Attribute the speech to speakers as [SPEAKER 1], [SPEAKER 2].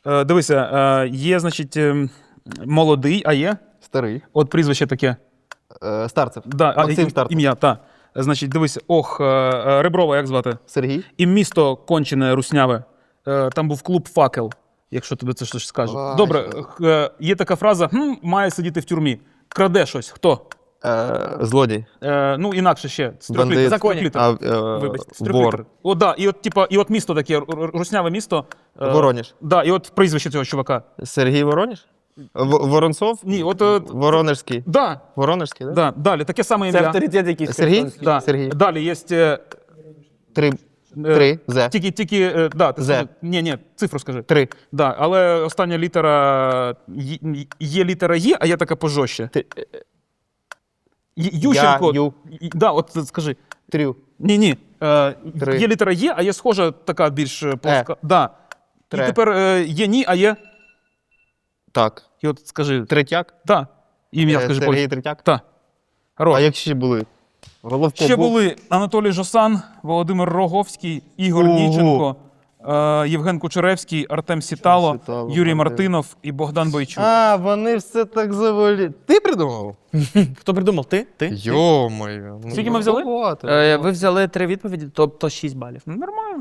[SPEAKER 1] Дивися, є, значить, молодий, а є?
[SPEAKER 2] Старий.
[SPEAKER 1] От прізвище таке.
[SPEAKER 2] Старцев.
[SPEAKER 1] Да,
[SPEAKER 2] Максим Старцев.
[SPEAKER 1] ім'я, так. Значить, дивися, Реброва, як звати?
[SPEAKER 2] Сергій.
[SPEAKER 1] І місто кончене, русняве. Там був клуб «Факел», якщо тобі це щось скаже.
[SPEAKER 2] Ай,
[SPEAKER 1] Добре, є така фраза має сидіти в тюрмі. Краде щось. Хто?
[SPEAKER 2] Злодій.
[SPEAKER 1] Ну, інакше ще. З трьох
[SPEAKER 2] Бандит.
[SPEAKER 1] літер. З трьох літер. Вибачте, з трьох
[SPEAKER 2] Вор.
[SPEAKER 1] літер. О, да, і от місто таке, русняве місто.
[SPEAKER 2] Воронеж.
[SPEAKER 1] Да, і от прізвище цього чувака.
[SPEAKER 2] Сергій Воронеж? Воронцов?
[SPEAKER 1] Ні,
[SPEAKER 2] Воронежський.
[SPEAKER 1] Да,
[SPEAKER 2] Воронежський, так?
[SPEAKER 1] да, далі, таке саме
[SPEAKER 3] Це
[SPEAKER 1] ім'я.
[SPEAKER 3] авторитет якийсь.
[SPEAKER 2] Сергій?
[SPEAKER 1] Да.
[SPEAKER 2] Сергій.
[SPEAKER 1] Далі є...
[SPEAKER 2] Три. Зе.
[SPEAKER 1] Тільки, да, ти
[SPEAKER 2] Зе.
[SPEAKER 1] скажи. Ні, цифру скажи.
[SPEAKER 2] 3.
[SPEAKER 1] Да, але остання літера є літера Є, а є така пожорстче. Ющенко.
[SPEAKER 2] Ю.
[SPEAKER 1] Да, от скажи.
[SPEAKER 2] Трю.
[SPEAKER 1] Ні.
[SPEAKER 2] Три.
[SPEAKER 1] Є літера Є, а є схожа така більш плоска. Да.
[SPEAKER 2] Тре.
[SPEAKER 1] І тепер є ні, а є.
[SPEAKER 2] Так.
[SPEAKER 1] І от скажи.
[SPEAKER 2] Третяк?
[SPEAKER 1] Да. Ім'я скажи
[SPEAKER 2] Сергій
[SPEAKER 1] польською.
[SPEAKER 2] Третяк?
[SPEAKER 1] Так.
[SPEAKER 2] А як ще були? Головко
[SPEAKER 1] Ще
[SPEAKER 2] був?
[SPEAKER 1] були Анатолій Жосан, Володимир Роговський, Ігор
[SPEAKER 2] Ого.
[SPEAKER 1] Ніченко, Євген Кучеревський, Артем Сітало,
[SPEAKER 2] Сітало,
[SPEAKER 1] Юрій
[SPEAKER 2] Артем.
[SPEAKER 1] Мартинов і Богдан Бойчук.
[SPEAKER 2] А, вони все так заволі. Ти придумав?
[SPEAKER 3] Хто придумав? Ти?
[SPEAKER 2] Йо-моє.
[SPEAKER 1] Скільки ми взяли?
[SPEAKER 3] Ви взяли 3 відповіді, тобто 6 балів.
[SPEAKER 1] Нормально.